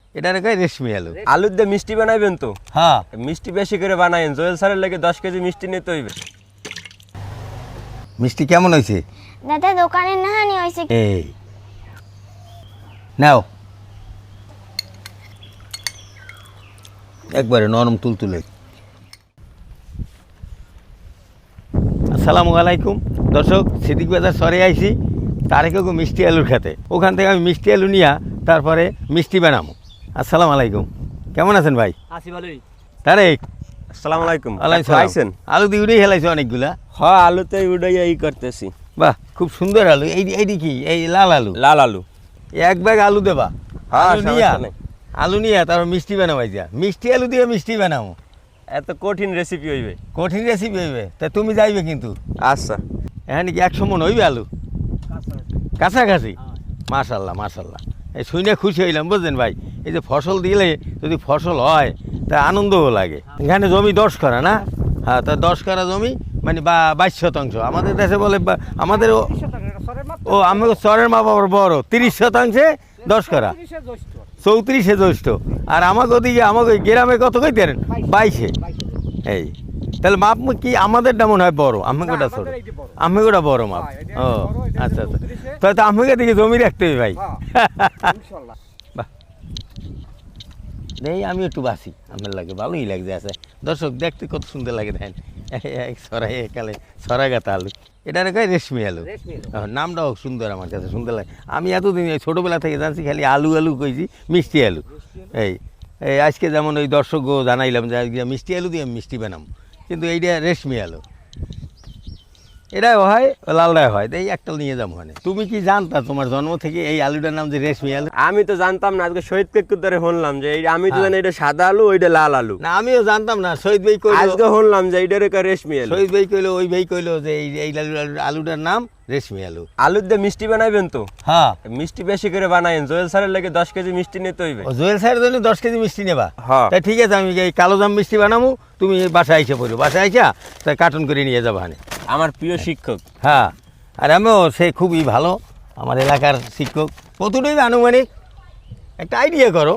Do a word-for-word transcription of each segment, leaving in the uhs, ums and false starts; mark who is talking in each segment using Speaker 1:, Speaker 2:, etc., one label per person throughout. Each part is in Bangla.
Speaker 1: এটা রেখে রেশমি আলু।
Speaker 2: আলুর দিয়ে মিষ্টি বানাইবেন তো?
Speaker 1: হ্যাঁ,
Speaker 2: মিষ্টি বেশি করে বানাইন, জোয়েল স্যারের লাগে দশ কেজি মিষ্টি নিতে হইবে।
Speaker 1: মিষ্টি কেমন হয়েছে?
Speaker 3: দাদা দোকানে নাহানি হয়েছে।
Speaker 1: এই নাও, একবারে নরম তুলতুলে। আসসালামু আলাইকুম দর্শক, সিদ্দিক বাজার সরে আইছি তারেকেও মিষ্টি আলুর খেতে। ওখান থেকে আমি মিষ্টি আলু নিয়ে তারপরে মিষ্টি বানাবো। আসসালামু আলাইকুম, কেমন আছেন ভাই?
Speaker 4: আছি ভালোই।
Speaker 1: তারেক,
Speaker 2: আসসালামু আলাইকুম।
Speaker 1: আলাইকুম।
Speaker 2: আইছেন?
Speaker 1: আলু দিয়ে উড়েই হেলাইছে অনেকগুলা।
Speaker 2: হ্যাঁ, আলুতে উড়াইয়া ই করতেছি।
Speaker 1: বাহ, খুব সুন্দর আলু। এই এইটি কি? এই লাল আলু?
Speaker 2: লাল আলু।
Speaker 1: এক ব্যাগ আলু দেবা?
Speaker 2: হ্যাঁ,
Speaker 1: আলু নিয়া
Speaker 2: সমস্যা নেই।
Speaker 1: আলু নিয়ে তারপর মিষ্টি বানাবাই যা। মিষ্টি আলু দিয়ে মিষ্টি বানাবো?
Speaker 2: এত কঠিন রেসিপি হইবে?
Speaker 1: কঠিন রেসিপি হইবে। তা তুমি যাইবে কিন্তু।
Speaker 2: আচ্ছা।
Speaker 1: এখানে কি একশো মন হইবে আলু? কাছাকাছি? মাশাল্লাহ মাশাল্লাহ, এই শুনে খুশি হইলাম বুঝলেন ভাই। এই যে ফসল দিলে যদি ফসল হয় তা আনন্দও লাগে। এখানে জমি দশ করা না? হ্যাঁ, তা দশ করা জমি মানে বা বাইশ শতাংশ। আমাদের দেশে বলে বা- আমাদের ও- ও আমাকে চরের মা বাবার বড় তিরিশ শতাংশে দশ করা, চৌত্রিশে জ্যৈষ্ঠ। আর আমাকে ওদিকে আমাকে গ্রামে কত কই দেন? বাইশে। এই তাহলে মাপ কি আমাদেরটা মনে হয় বড়, আমাকেটা ছোট? আমাকেটা বড় মাপ। ও আচ্ছা আচ্ছা, তাহলে তো আমাকে দিকে জমি রাখতে হবে ভাই। বাহ, এই আমি একটু বাসি, আমার লাগে ভালোই লাগছে। আছে দর্শক, দেখতে কত সুন্দর লাগে দেখেন। সরাই একালে সরাগাতা আলু, এটা রেখে রেশমি আলু। নামটাও সুন্দর, আমার কাছে সুন্দর লাগে। আমি এতদিন এই ছোটোবেলা থেকে জানছি খালি আলু আলু কইছি, মিষ্টি আলু। এই এই আজকে যেমন ওই দর্শকও জানাইলাম যে আজকে মিষ্টি আলু দিয়ে আমি মিষ্টি বানাম, কিন্তু এইটা রেশমি আলু। এটাও হয়, লালটাও হয়। এই একটা নিয়ে যাবো। মানে তুমি কি জানতা তোমার জন্ম থেকে এই আলুটার নাম যে রেশমি আলু?
Speaker 2: আমি তো জানতাম না, আজকে শহীদ কেক ধরে শুনলাম যে এই, আমি তো জানি এটা সাদা আলু, ওইটা লাল আলু।
Speaker 1: না, আমিও জানতাম না। শহীদ ভাই কইলো,
Speaker 2: আজকে শুনলাম যে এইটা রেখা রেশমি আলু।
Speaker 1: শহীদ ভাই কইলো, ওই ভাই কইলো যে এই এই আলু- আলুটার নাম রেশমি আলু।
Speaker 2: আলুর দিয়ে মিষ্টি বানাইবেন তো?
Speaker 1: হ্যাঁ,
Speaker 2: মিষ্টি বেশি করে বানাইন, জোয়েল স্যারের লাগে দশ কেজি মিষ্টি নিতে হইবে।
Speaker 1: ও জুয়েল স্যারের জন্য দশ কেজি মিষ্টি নেবা?
Speaker 2: হ্যাঁ।
Speaker 1: তাই ঠিক আছে, আমি এই কালো জাম মিষ্টি বানাবো, তুমি বাসায় এসে পড়ো। বাসায় আইসা তাই কার্টন করে নিয়ে যাবো। হানে
Speaker 2: আমার প্রিয় শিক্ষক।
Speaker 1: হ্যাঁ, আর আমিও সে খুবই ভালো, আমার এলাকার শিক্ষক। কতটাই আনুমানিক একটা আইডিয়া করো?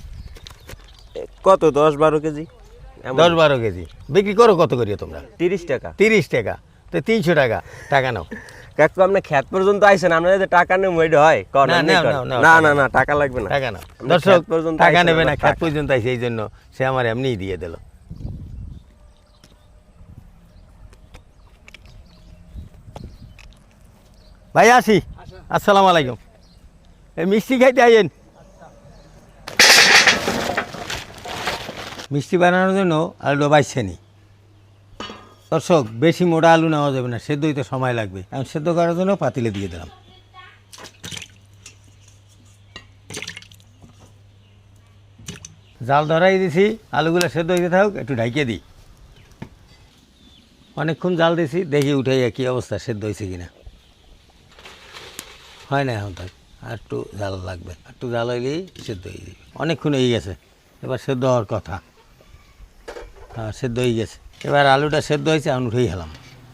Speaker 2: কত? দশ বারো কেজি? এমন?
Speaker 1: দশ বারো কেজি বিক্রি করো কত করিও তোমরা?
Speaker 2: তিরিশ টাকা।
Speaker 1: তিরিশ টাকা? তো তিনশো টাকা টাকা নাও।
Speaker 2: কাকু, আপনি খেত পর্যন্ত আইছেন, আমরা যদি টাকা নেব ওইটা হয়? কর,
Speaker 1: না,
Speaker 2: এমনি
Speaker 1: নাও,
Speaker 2: কর।
Speaker 1: নাও, নাও,
Speaker 2: না
Speaker 1: টাকা
Speaker 2: না
Speaker 1: নাও।
Speaker 2: না, টাকা লাগবে না।
Speaker 1: টাকা নাও।
Speaker 2: আমরা
Speaker 1: দর্শক
Speaker 2: খেত পর্যন্ত
Speaker 1: টাকা
Speaker 2: আইছেন,
Speaker 1: নেবে না,
Speaker 2: আমরা
Speaker 1: খেত
Speaker 2: টাকা-
Speaker 1: পর্যন্ত আইসে, এই জন্য সে আমার এমনিই দিয়ে দিল। ভাই আসি, আসসালামু আলাইকুম। এই মিষ্টি খাইতে আইয়েন। মিষ্টি বানানোর জন্য আলুটা বাইছে নি। দর্শক, বেশি মোটা আলু নেওয়া যাবে না, সেদ্ধ হইতে সময় লাগবে। আমি সেদ্ধ করার জন্য পাতিলে দিয়ে দিলাম। জাল ধরাই দিছি, আলুগুলো সেদ্ধ হইতে থাকুক, একটু ঢাইকে দিই। অনেকক্ষণ জাল দিছি, দেখি উঠাই কী অবস্থা, সেদ্ধ হয়েছে কিনা। হয় না এখন থাক, আর একটু জাল লাগবে। আর একটু জাল হইলেই সেদ্ধ হয়ে যাবে। অনেকক্ষণ হয়ে গেছে, এবার সেদ্ধ হওয়ার কথা। হ্যাঁ, সেদ্ধ হয়ে গেছে। এবার আলুটা সেদ্ধ হয়েছে, এখন উঠেই গেলাম।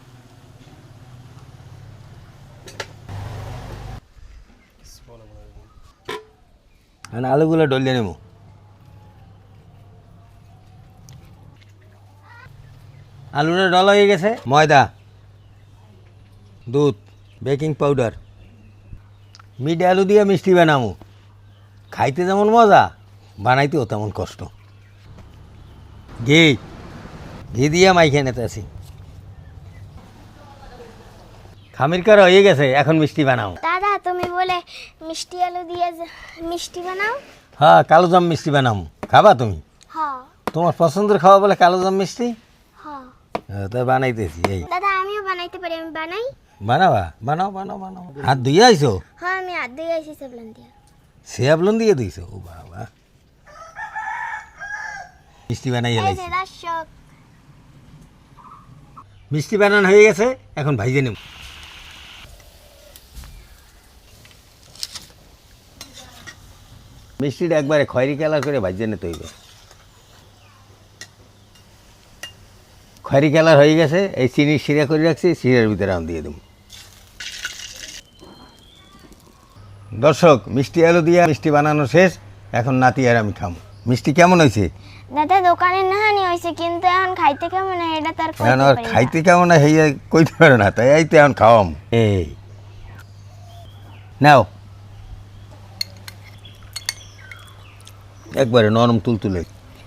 Speaker 1: এখন আলুগুলো ডলিয়ে নেব। আলুটা ডলা হয়ে গেছে। ময়দা, দুধ, বেকিং পাউডার, মিঠে আলু দিয়ে মিষ্টি বানাবো। খাইতে যেমন মজা, বানাইতেও তেমন কষ্ট। ঘি ঘি দিয়ে মাইখে নিতে আসি। খামির করা হয়ে গেছে, এখন মিষ্টি বানাও।
Speaker 3: দাদা তুমি বলে মিষ্টি আলু দিয়ে যে- মিষ্টি বানাও।
Speaker 1: হ্যাঁ, কালো জাম মিষ্টি বানাবো। খাবা তুমি?
Speaker 3: হ্যাঁ
Speaker 1: তোমার পছন্দের খাওয়া বলে কালো জাম মিষ্টি?
Speaker 3: হ্যাঁ।
Speaker 1: হ্যাঁ, তাই বানাইতেছি। এই
Speaker 3: দাদা আমিও বানাইতে পারি, আমি বানাই।
Speaker 1: বানাবা? বানাও বানাও বানাও। হাত ধুয়ে আইছো?
Speaker 3: হ্যাঁ আমি আদ দিয়ে আইসি সেবলান দিয়া।
Speaker 1: সেবলন দিয়ে দিয়েছো? ও বাবা, মিষ্টি বানাই
Speaker 3: এই
Speaker 1: হেলাইছি।
Speaker 3: যে দর্শক,
Speaker 1: মিষ্টি বানানো হয়ে গেছে, এখন ভাইজে নেব। মিষ্টিটা একবারে খয়েরি কালার করে ভাইজে নিতে হইবে। খয়েরি কালার হয়ে গেছে, এই চিনি শিরা করে রাখছি, শিরার ভিতরে আমি দিয়ে দেব। দর্শক, মিষ্টি আলু দিয়ে মিষ্টি বানানো শেষ, এখন নাতি আর আমি খাম। মিষ্টি কেমন হয়েছে?
Speaker 3: দাদা দোকানে নাহানি হয়েছে কিন্তু এখন খাইতে কেমন হয় এটা তার
Speaker 1: এখন আর খাইতে কেমন হয় হেয়ে কইতে পারে না, তাই এই তো এখন খাওয়াম। এই নাও একবারে নরম তুলতুলে।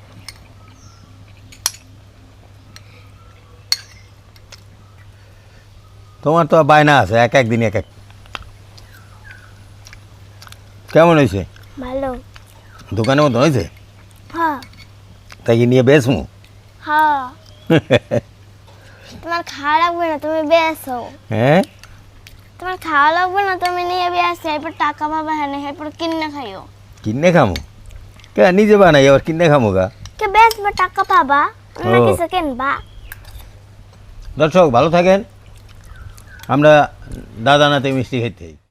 Speaker 1: তোমার তো বায়না আছে এক একদিন এক এক। কেমন হয়েছে?
Speaker 3: ভালো।
Speaker 1: দোকানের মতো হয়েছে?
Speaker 3: হ্যাঁ
Speaker 1: তাই কি নিয়ে বেসমু?
Speaker 3: হ্যাঁ তোমার খাওয়া লাগবে না, তুমি বেসো।
Speaker 1: হ্যাঁ
Speaker 3: তোমার খাওয়া লাগবে না, তুমি নিয়ে বেসো, এরপর টাকা পাবা। হ্যাঁ এরপর কিনে খাইও।
Speaker 1: কিনে খামু? কে নিজে বানাই আবার কিনে খামু গা?
Speaker 3: কে বেসবা টাকা পাবা, অন্য
Speaker 1: ও।
Speaker 3: কিছু কিনবা।
Speaker 1: দর্শক ভালো থাকেন, আমরা দাদা নাতে মিষ্টি খেতে।